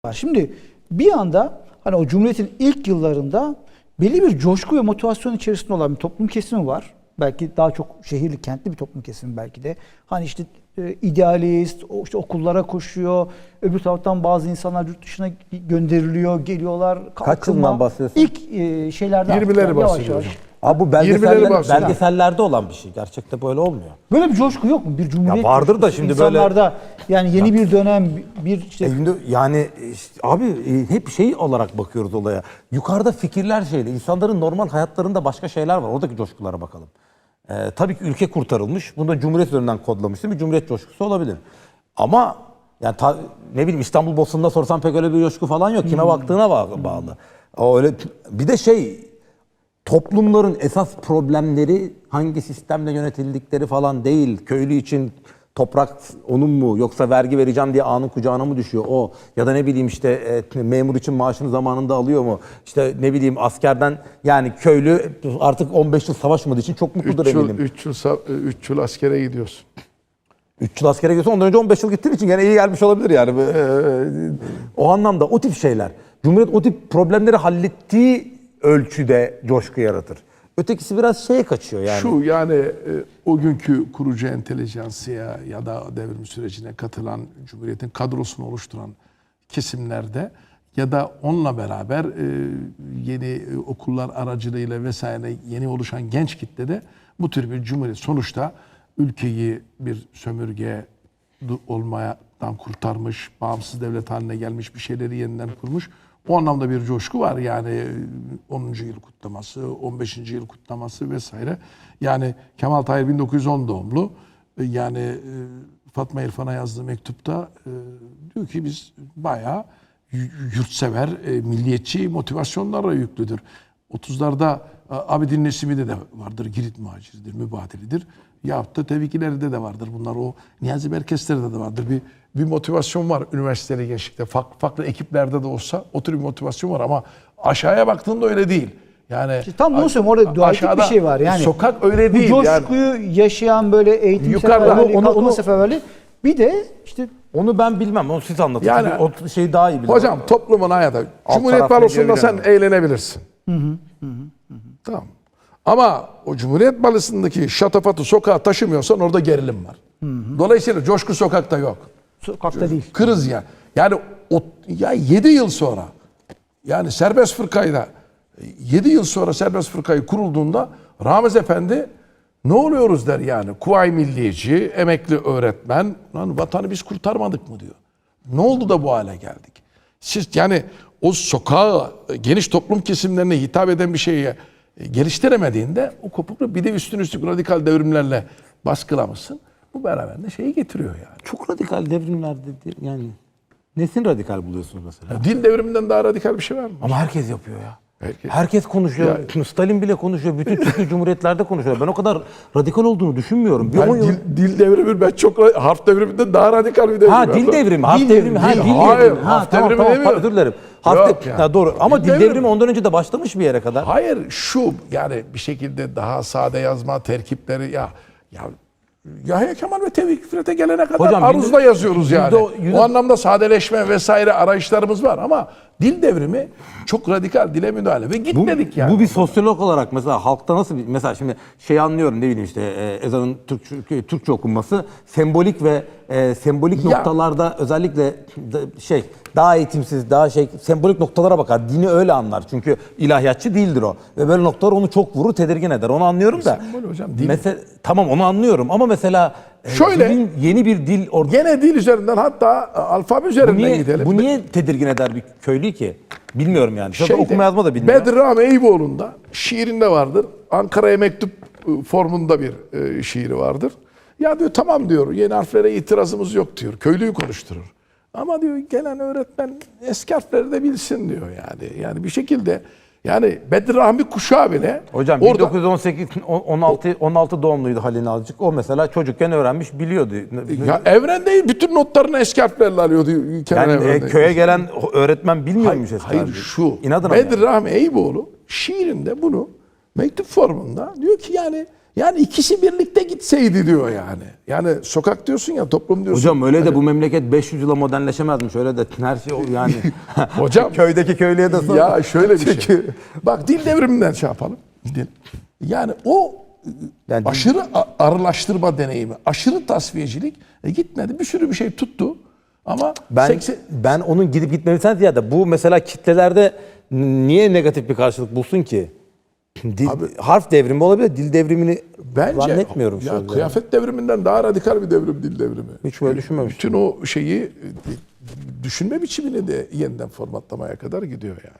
var. Şimdi bir anda hani o Cumhuriyet'in ilk yıllarında belli bir coşku ve motivasyon içerisinde olan bir toplum kesimi var. Belki daha çok şehirli, kentli bir toplum kesimi belki de. Hani işte idealist, işte okullara koşuyor. Öbür taraftan bazı insanlar yurt dışına gönderiliyor, geliyorlar. Kaç yıldan bahsediyorsun? İlk şeylerden 20'leri bahsediyorum. Abi bu belgesellerde olan bir şey. Gerçekte böyle olmuyor. Böyle bir coşku yok mu? Bir cumhuriyet Ya vardır da şimdi böyle insanlarda yani yeni bir dönem bir işte yani işte abi hep şey olarak bakıyoruz olaya. Yukarıda fikirler şeyle. İnsanların normal hayatlarında başka şeyler var. Oradaki coşkulara bakalım. Tabii ki ülke kurtarılmış. Bunu da Cumhuriyet üzerinden kodlamıştım. Bir Cumhuriyet coşkusu olabilir. Ama yani ne bileyim İstanbul Bostanı'nda sorsam pek öyle bir coşku falan yok. Kime baktığına bağlı. O öyle bir de toplumların esas problemleri hangi sistemle yönetildikleri falan değil. Köylü için toprak onun mu yoksa vergi vereceğim diye ağanın kucağına mı düşüyor o? Ya da ne bileyim işte memur için maaşını zamanında alıyor mu? İşte ne bileyim askerden yani köylü artık 15 yıl savaşmadığı için çok mutludur eminim. 3 yıl askere gidiyorsun. 3 yıl askere gidiyorsun ondan önce 15 yıl gittiğin için gene iyi gelmiş olabilir yani. O anlamda o tip şeyler. Cumhuriyet o tip problemleri hallettiği ölçüde coşku yaratır. Ötekisi biraz şeye kaçıyor yani. Şu yani o günkü kurucu entelijansiya ya da devrim sürecine katılan Cumhuriyet'in kadrosunu oluşturan kesimlerde ya da onunla beraber yeni okullar aracılığıyla vesaire yeni oluşan genç kitlede bu tür bir cumhuriyet sonuçta ülkeyi bir sömürge olmadan kurtarmış, bağımsız devlet haline gelmiş bir şeyleri yeniden kurmuş. O anlamda bir coşku var yani 10. yıl kutlaması, 15. yıl kutlaması vesaire. Yani Kemal Tahir 1910 doğumlu. Yani Fatma İrfan'a yazdığı mektupta diyor ki biz bayağı yurtsever, milliyetçi motivasyonlarla yüklüdür. 30'larda Abidin Nesimi'de de vardır, Girit muhaciridir, mübadilidir. Yahut da Tevkiler'de de vardır. Bunlar o Niyazi Merkezler'de de vardır. Bir motivasyon var üniversiteli gençlikte. Farklı ekiplerde de olsa o tür bir motivasyon var ama aşağıya baktığında öyle değil. Yani işte tam bunu söylüyorum. Orada dualistik bir şey var. Yani sokak öyle değil. Bu coşkuyu yaşayan böyle eğitim seferberliği, kalkınma seferberliği. Bir de işte onu ben bilmem. Onu siz anlatın. Yani, o şeyi daha iyi biliyorum. Hocam toplumun hayatı. Cumhuriyet balosunda sen eğlenebilirsin. Tamam. Ama o Cumhuriyet balosundaki şatafatı sokağa taşımıyorsan orada gerilim var. Dolayısıyla coşku sokakta yok. Sokakta değil. Kırız ya. Yani 7 yıl sonra yani serbest fırkayla 7 yıl sonra serbest fırkayı kurulduğunda Ramiz Efendi ne oluyoruz der yani. Kuvayi Milliyeci, emekli öğretmen. Lan vatanı biz kurtarmadık mı diyor. Ne oldu da bu hale geldik? Siz yani o sokağa geniş toplum kesimlerine hitap eden bir şeye geliştiremediğinde o kopuklu bir de üstüne radikal devrimlerle baskılamışsın. Bu beraberinde şeyi getiriyor yani. Çok radikal devrimler dedi yani. Nesini radikal buluyorsunuz mesela? Ya, dil devriminden daha radikal bir şey var mı? Ama herkes yapıyor ya. Herkes konuşuyor. Ya, Stalin bile konuşuyor. Bütün Türkiye Cumhuriyetler'de konuşuyor. Ben o kadar radikal olduğunu düşünmüyorum. Dil devrimi ben çok harf devriminden daha radikal bir devrim. Ha dil devrimi. Harf devrimi. Hayır. Harf devrimi demiyorum. Özür dilerim. Yani. Doğru. Ama dil devrimi ondan önce de başlamış bir yere kadar. Hayır şu yani bir şekilde daha sade yazma terkipleri ya Yahya Kemal ve Tevfik Fikret'e gelene kadar hocam, aruzda yazıyoruz yani. O anlamda sadeleşme vesaire arayışlarımız var ama dil devrimi çok radikal dile müdahale ve gitmedik yani. Bu bir sosyolog olarak mesela halkta nasıl mesela şimdi anlıyorum ne bileyim işte ezanın Türkçe okunması sembolik ve sembolik noktalarda özellikle daha eğitimsiz daha sembolik noktalara bakar. Dini öyle anlar. Çünkü ilahiyatçı değildir o. Ve böyle noktalar onu çok vurur, tedirgin eder. Onu anlıyorum da. Sembol hocam dil. Mesela tamam onu anlıyorum ama mesela şöyle yeni bir dil gene dil üzerinden hatta alfabe üzerinden gidelim. Bu niye tedirgin eder bir köylü ki? Bilmiyorum yani. Okuma yazma da bilmiyorum. Bedri Rami Eyüboğlu'nda şiirinde vardır. Ankara'ya mektup formunda bir şiiri vardır. Ya diyor tamam diyor yeni harflere itirazımız yok diyor. Köylüyü konuşturur. Ama diyor gelen öğretmen eski harfleri de bilsin diyor yani. Yani bir şekilde yani Bedri Rahmi kuşağı bile hocam orada, 1918 16 doğumluydu Halil Nalcık. O mesela çocukken öğrenmiş biliyordu. Ya Evren değil bütün notlarını eski harflerle alıyordu. Yani köye gelen öğretmen bilmiyormuş eski Hayır şu İnadına Bedri Rahmi Eyüboğlu şiirinde bunu mektup formunda diyor ki yani Yani ikisi birlikte gitseydi diyor yani. Yani sokak diyorsun ya, toplum diyorsun. Hocam öyle de bu memleket 500 yıla modernleşemezmiş. Öyle de her şey yani. Hocam Köydeki köylüye de sor. ya şöyle bir şey. Bak dil devriminden şey yapalım. Gidelim. Yani o Yani aşırı arılaştırma deneyimi, aşırı tasfiyecilik gitmedi. Bir sürü bir şey tuttu. Ama Ben onun gidip gitmesinden ziyade bu mesela kitlelerde niye negatif bir karşılık bulsun ki? Harf devrimi olabilir, dil devrimini bence zannetmiyorum. ya sözde. kıyafet devriminden daha radikal bir devrim dil devrimi. Hiç böyle düşünmemiştim. Bütün o şeyi düşünme biçimini de yeniden formatlamaya kadar gidiyor yani.